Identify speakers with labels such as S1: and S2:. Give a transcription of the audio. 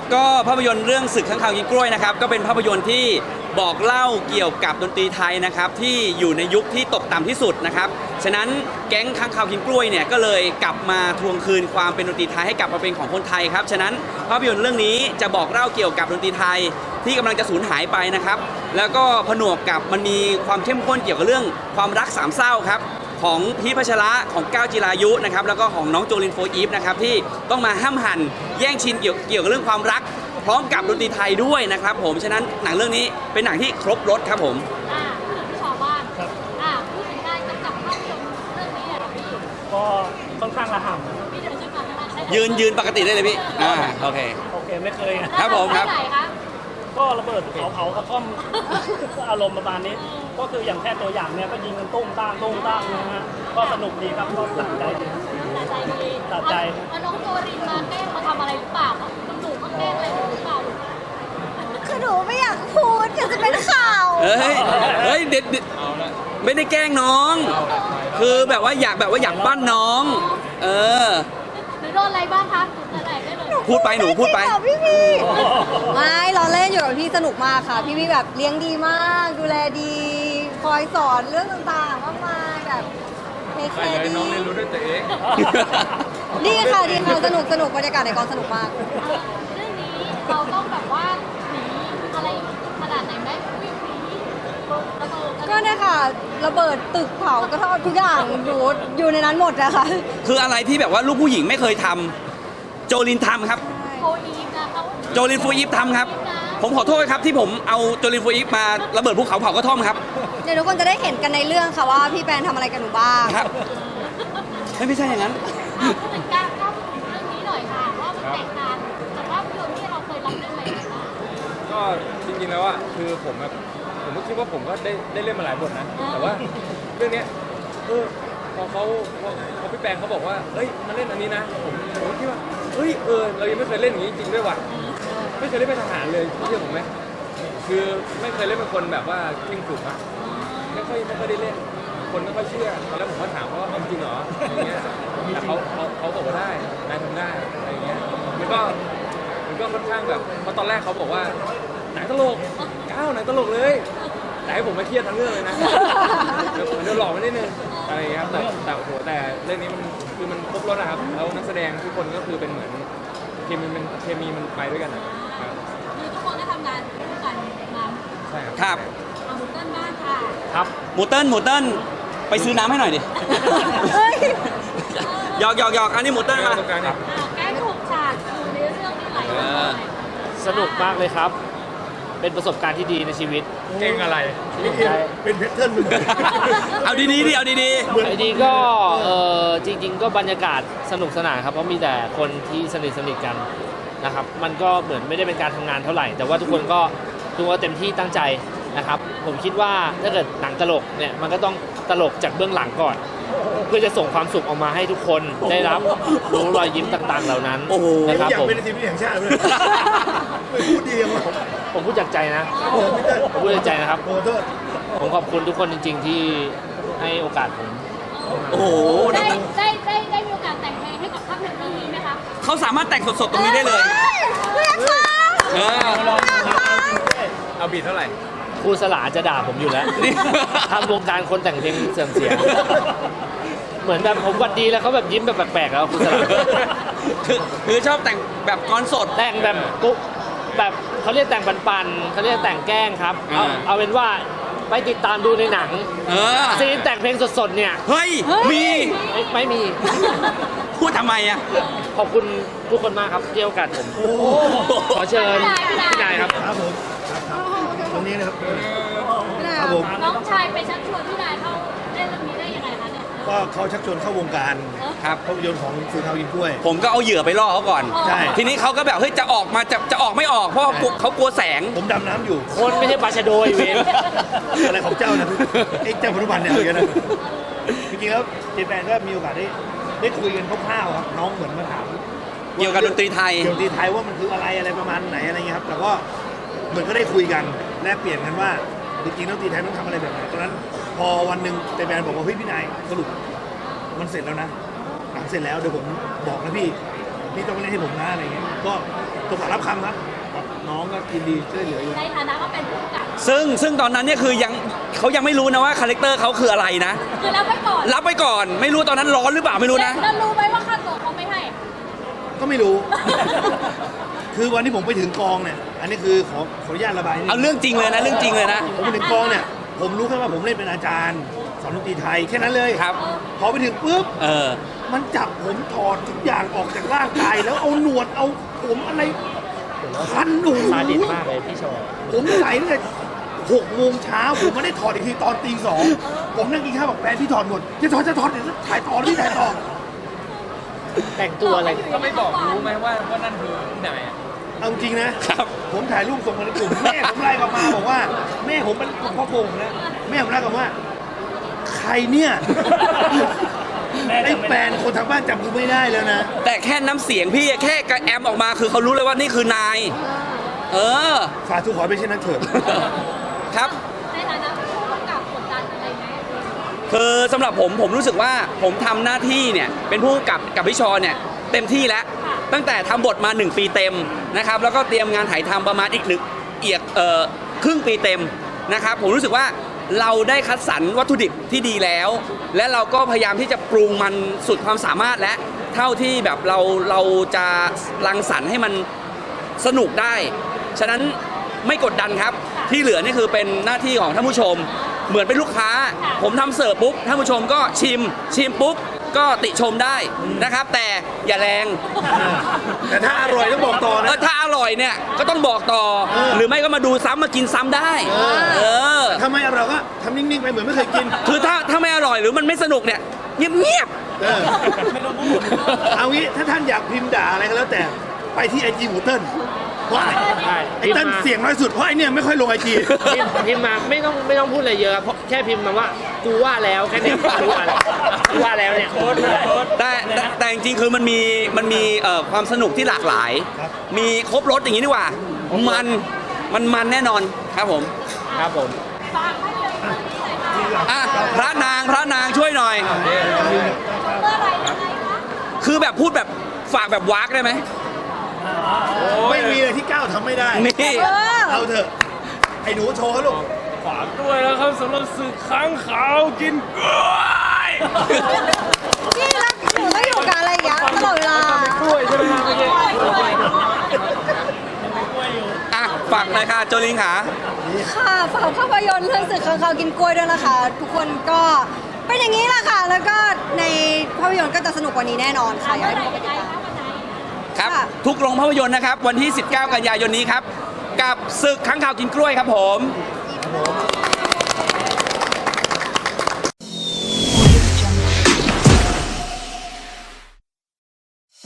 S1: ก็ภาพยนตร์เรื่องศึกข้างคาวกินกล้วยนะครับก็เป็นภาพยนตร์ที่บอกเล่าเกี่ยวกับดนตรีไทยนะครับที่อยู่ในยุคที่ตกต่ำที่สุดนะครับฉะนั้นแก๊งข้างคาวกินกล้วยเนี่ยก็เลยกลับมาทวงคืนความเป็นดนตรีไทยให้กลับมาเป็นของคนไทยครับฉะนั้นภาพยนตร์เรื่องนี้จะบอกเล่าเกี่ยวกับดนตรีไทยที่กำลังจะสูญหายไปนะครับแล้วก็ผนวกกับมันมีความเข้มข้นเกี่ยวกับเรื่องความรักสามเศร้าครับของพีชพัชระของก้าวจิรายุนะครับแล้วก็ของน้องโจลินโฟอีฟนะครับที่ต้องมาห้ามหันแย่งชิงเกี่ยวกับเรื่องความรักพร้อมกับดนตรีไทยด้วยนะครับผมฉะนั้นหนังเรื่องนี้เป็นหนังที่ครบรสครับผม
S2: พูดถึงพี่ชาวบ้านพูดถึงการกำกับภาพยนตร์เรื่องนี้อะพี่
S3: ก็ค่อนข้างระห่ำ
S2: พี่เดินขึ้นมาได้
S1: ยืนปกติได้เลยพี่โอเค
S3: ไม่เคย
S1: ครับผมครับ
S3: ก็ระเบิดเผากระท่อมอารมณ์ประมาณนี้ ก็คืออย่างแค่ตัวอย่างเนี่ยก็ยิงกันตุ้มตั้งนะฮะก็สนุกดีครับก็สะใจดีสะใจ
S2: น้องโจรินมาแกล้งมาทำอะไรหรือเปล่าคุณหนูมาแกล้งอะไรหรือเปล่า
S4: คือหนูไม่อยากพูดเดี๋ยวจะเป็นข่าว
S1: เฮ้ยเด็ดไม่ได้แกล้งน้องคือแบบว่าอยากปั้นน้อง
S2: หนูโดนอะไรบ้างคะ
S1: พูดไปหนูพูดไป
S4: พี่ไม่เราเล่นอยู่กับพี่สนุกมากค่ะพี่แบบเลี้ยงดีมากดูแลดีคอยสอนเรื่องต่างๆมากมายแบบเทคแคร์ดี
S5: น้องเรียนรู้ด้วยตัวเอง
S4: ดีค่ะสนุกบรรยากาศในกองสนุกมาก
S2: เรื่องนี้เราต้องแบบว่าหนีอะไรขนาดไหนไหมวิ่งหนี
S4: ก็เนี่ยค่ะระเบิดตึกเผากระท่อมทุกอย่างอยู่ในนั้นหมดอะค่ะ
S1: คืออะไรที่แบบว่าลูกผู้หญิงไม่เคยทำโจลินทำครับโจลินฟูอีฟทำครับผมขอโทษครับที่ผมเอาโจลินฟูอีฟมาระเบิดภูเขาเผากระท่อมครับ
S4: เดี๋ยวทุกคนจะได้เห็นกันในเรื่องค่ะว่าพี่แปนทำอะไรกับหนูบ้าง
S1: ครับไม่ใช่อย่างนั้น
S2: พูดถึงการเล่าเรื่องนี้หน่อยค่ะว่ามันแตกต่างจากภาพยนตร์ที่เราเคยรับเรื่องอะไรบ้าง
S5: ก็จริงๆแล้วอะคือผมก็คิดว่าผมก็ได้เล่นมาหลายบทนะแต่ว่าเรื่องนี้พอพี่แปงเขาบอกว่าเฮ้ยมาเล่นอันนี้นะผมคิดว่าเฮ้ยเรายังไม่เคยเล่นอย่างนี้จริงด้วยว่ะไม่เคยเล่นเป็นทหารเลยเชื่อผมไหมคือไม่เคยเล่นเป็นคนแบบว่าเข่งขรึมอะไม่ค่อยได้เล่นคนไม่ค่อยเชื่อตอนแรกผมก็ถามว่าจริงเหรออย่างเงี้ยแต่เขาบอกว่าได้นายทำได้อะไรอย่างเงี้ยมันก็ค่อนข้างแบบเพราะตอนแรกเขาบอกว่าหนังตลกหนังตลกเลยแต่ให้ผมมาเครียดทั้งเรื่องเลยนะเดี๋ยวหลอกไม่ได้นึงอะไรอย่างเงี้ยครับแต่โอ้โหแต่เรื่องนี้มันคือมันครบรสนะครับแล้วนักแสดงทุกคนก็คือเป็นเหมือนเคมีมันไปด้วยกันนะครับ
S2: คือทุกคนได้ทำงานร่วมกันมา
S5: ใช่
S1: ครับ
S2: หมูเติ้ลบ้างค่ะ
S1: ครับหมูเติ้ลไปซื้อน้ำให้หน่อยดิหยอกอันนี้หมูเติ้ลมา
S2: แก้ถูกฉากอยู่ในเรื่องนี้หลาย
S3: สนุกมากเลยครับเป็นประสบการณ์ที่ดีในชีวิต
S5: เก่งอะไรเป็นเพชรเทิร์น
S1: เอาดีๆเอา
S3: ดีๆก็จริงๆก็บรรยากาศสนุกสนานครับเพราะมีแต่คนที่สนิทกันนะครับมันก็เหมือนไม่ได้เป็นการทำงานเท่าไหร่แต่ว่าทุกคนก็เต็มที่ตั้งใจนะครับผมคิดว่าถ้าเกิดหนังตลกเนี่ยมันก็ต้องตลกจากเบื้องหลังก่อนเพื่อจะส่งความสุขออกมาให้ทุกคนได้รับรู้รอยยิ้มต่างๆเหล่านั้น
S5: นะครับผมเป็นทีมแห่งชาติเลยพูดดีมาก
S3: ผมพูดจากใจนะผมพูดจากใจนะครับผมขอบคุณทุกคนจริงๆที่ให้โอกาสผม
S1: โอ้โห
S2: ได้มีโอกาสแต่งเพลงให้กับภาพยนตร์เรื่องนี้ไหมครับ
S1: เขาสามารถแต่งสดๆตรงนี้ได้เลย
S5: เอาบีทเท่าไหร่
S3: ครูสลาจะด่าผมอยู่แล้วทำวงการคนแต่งเพลงเสื่อมเสียเหมือนแบบผมวัดดีแล้วเขาแบบยิ้มแบบแปลกๆแล้วครูสลา
S1: คือชอบแต่งแบบกรสด
S3: แต่งแบบแบบเขาเรียกแต่งปันๆเขาเรียกแต่งแกล้งครับเอาเป็นว่าไปติดตามดูในหนังซีนแต่งเพลงสดๆเนี่ย
S1: เฮ้ยมี
S3: ไม่มี
S1: พูดทำไมอ่ะ
S3: ขอบคุณทุกคนมากครับที่ให้โอกาสผมขอเชิญพี่นายครับ
S5: ครับผมตรงนี้นะครับ
S2: ครับผมน้องชายไปชักชวนพี่นายเข้าเล่นเรื่องนี้ได้ยังไงคะเนี่ย
S5: ก็เขาชักชวนเข้าวงการ
S1: ครับ
S5: ภาพยนตร์ของสื่อข่าวยิงกล้วย
S1: ผมก็เอาเหยื่อไปล่อเขาก่อน
S5: ใช่
S1: ทีนี้เขาก็แบบเฮ้ยจะออกมาจะออกไม่ออกเพราะเขากลัวแสง
S5: ผมดำน้ำอยู่
S3: คนไม่ใช่ปลาชะโดยเวร
S5: อะไรของเจ้านะไอ้เจ้าพนุพันธ์เนี่ยอะไรนะจริงๆแล้วเจแปนก็มีโอกาสได้คุยกันคร่าวๆครับน้องเหมือนมาถาม
S1: เกี่ยวกับดนตรีไทย
S5: ว่ามันคืออะไรประมาณไหนอะไรเงี้ยครับแต่ก็เหมือนก็ได้คุยกันแลกเปลี่ยนกันว่าจริงๆดนตรีไทยต้องทำอะไรแบบไหนตอนนั้นพอวันหนึ่งเจแปนบอกว่าเฮ้ยพี่นายสรุปมันเสร็จแล้วนะหนังเสร็จแล้วเดี๋ยวผมบอกนะพี่
S6: พี่ต้องเล่นให้ผมนะอะไรเงี้ยก็ตกรับคำครับน้องก็ยินดีช่วยเหลืออยู่
S2: ในฐานะก็เป็นผู้กำกับ
S1: ซึ่งตอนนั้นเนี่ยคือเขายังไม่รู้นะว่าคาแรคเตอร์เขาคืออะไรนะ
S2: คือรับไว้ก่อน
S1: รับไปก่อนไม่รู้ตอนนั้นร้อนหรือเปล่าไม่รู้นะ
S2: แล้วรู้ไหมว่าค่าตัวเขาไม่ให้
S6: ก็ไม่รู้ คือวันที่ผมไปถึงกองเนี่ยอันนี้คือขออนุญาตระบายนิดนึง
S1: เอาเรื่องจริงเลยนะเรื่องจริงเลยนะ
S6: ผมไปถึงกองเนี่ยผมรู้แค่ว่าผมเล่นเป็นอาจารย์สอนดนตรีไทยแค่นั้นเลย
S1: ครับ
S6: พอไปถึงปุ๊บ
S1: เออ
S6: มันจับผมถอดทุกอย่างออกจากร่างกายแล้วเอาหนวดเอาผมอะไรคันหนู
S3: ซาดิสมากเลยพี่โชว์
S6: ผมใส่ตั้งแต่6 โมงเช้าผมไม่ได้ถอดอีกทีตอนตี 2ผมนั่งกินข้าวบอกแฟนพี่ถอดหมดจะถอดเดี๋ยวถ่ายต่อพี่ถ่ายต่อ
S3: แต่งตัวอะไร
S5: ก็ไม่บอกรู้ไหมว่านั่นคือที่ไหนอ่ะ
S6: เอาจริงนะครับ ผมถ่ายรูปส่งมาในกลุ่มแม่ผมไล่กลับมาบอกว่าแม่ผมเป็นพ่อโกงนะแม่ผมไล่กลับมาว่าใครเนี่ยไอ้แฟนคนทางบ้านจำกูไม่ได้แล้วนะ
S1: แต่แค่น้ำเสียงพี่แค่กระแอมออกมาคือเขารู้เลยว่านี่คือนาย เออ
S6: ฝากทุกขอไปเช่นนั้นเถิด
S1: ครับ
S2: ในฐานะผู้กำกับกดดันอะไรไหม
S1: คือสำหรับผมรู้สึกว่าผมทำหน้าที่เนี่ยเป็นผู้กำกับพี่ชอเนี่ยเต็มที่แล้ว ตั้งแต่ทำบทมา 1 ปีเต็มนะครับแล้วก็เตรียมงานถ่ายทำประมาณอีกครึ่งปีเต็มนะครับผมรู้สึกว่าเราได้คัดสรรวัตถุดิบที่ดีแล้ว และเราก็พยายามที่จะปรุงมันสุดความสามารถและเท่าที่แบบเราจะรังสรรค์ให้มันสนุกได้ ฉะนั้นไม่กดดันครับที่เหลือนี่คือเป็นหน้าที่ของท่านผู้ชม เหมือนเป็นลูกค้า ผมทำเสิร์ฟปุ๊บท่านผู้ชมก็ชิมปุ๊บก็ติชมได้นะครับ แต่อย่าแรง
S6: แต่ถ้าอร่อยต้องบอกต่อนะ
S1: ถ้าอร่อยเนี่ยก็ต้องบอกต่อ หรือไม่ก็มาดูซ้ำมากินซ้ำได้ เออ
S6: ถ้าไม่อร่อยก็ทำนิ่งๆไปเหมือนไม่เคยกิน
S1: คือถ้าไม่อร่อยหรือมันไม่สนุกเนี่ยเงียบ
S6: เออเอางี้ถ้าท่านอยากพิมพ์ด่าอะไรก็แล้วแต่ไปที่ไอจีหมูเติ้ลเพราะไอเติ้ลเสียงน้อยสุดเพราะไอเนี่ยไม่ค่อยลงไอจี
S3: พิมพ์มาไม่ต้องพูดอะไรเยอะเพราะแค่พิมพ์มาว่ากูว่าแล้วแค่นี้กูว่าแล้วเนี่ย
S1: ๆแต่จริงๆคือมันมีความสนุกที่หลากหลาย มีครบรสอย่างนี้ดีกว่ามันแน่นอนครับผม
S3: ครับผม
S2: ฝากให้เลยเรื่องนี้หน่อยค่ะ
S1: อ่ะพระนางช่วยหน่อย
S2: เมื่อไหร่ยังไงคะ
S1: คือแบบพูดแบบฝากแบบวากได้ไหม
S6: ไม่มีเลยที่ก้าวทำไม่ได้
S1: นี่
S6: เอาเถอะไอหนูโชว์เขาลูก
S5: ฝากด้วยนะครับสำหรับสื่อค้างขาวกินกล้วย
S4: นี่แล้วหนูก็อยู่กับอะไรอย่างเงี้ยตลอดเวลา
S5: กล้วยใช่ไหมครับเมื่อกี้
S1: อ่ะฝากเลยค่ะโจลินค่ะ
S4: ค่ะฝากภาพยนตร์เรื่องสึกข้างคาวกินกล้วยด้วยนะคะ ทุกคนก็เป็นอย่างนี้แหละค่ะ แล้วก็ในภาพยนตร์ก็จะสนุกกว่านี้แนะนอนค่ะอยาก
S2: เมื่อไหร่
S4: ให้ทุกคน
S2: ยัง
S4: ไป
S2: ไง
S4: ติดตาม
S2: คะวันไหน
S1: ครับ
S4: ค่ะ
S1: ทุกโรงภาพยนตร์นะครับ วันที่ 19 กันยายนนี้ครับ กับศึกค้างคาวกินกล้วยครับผม
S6: ครับผม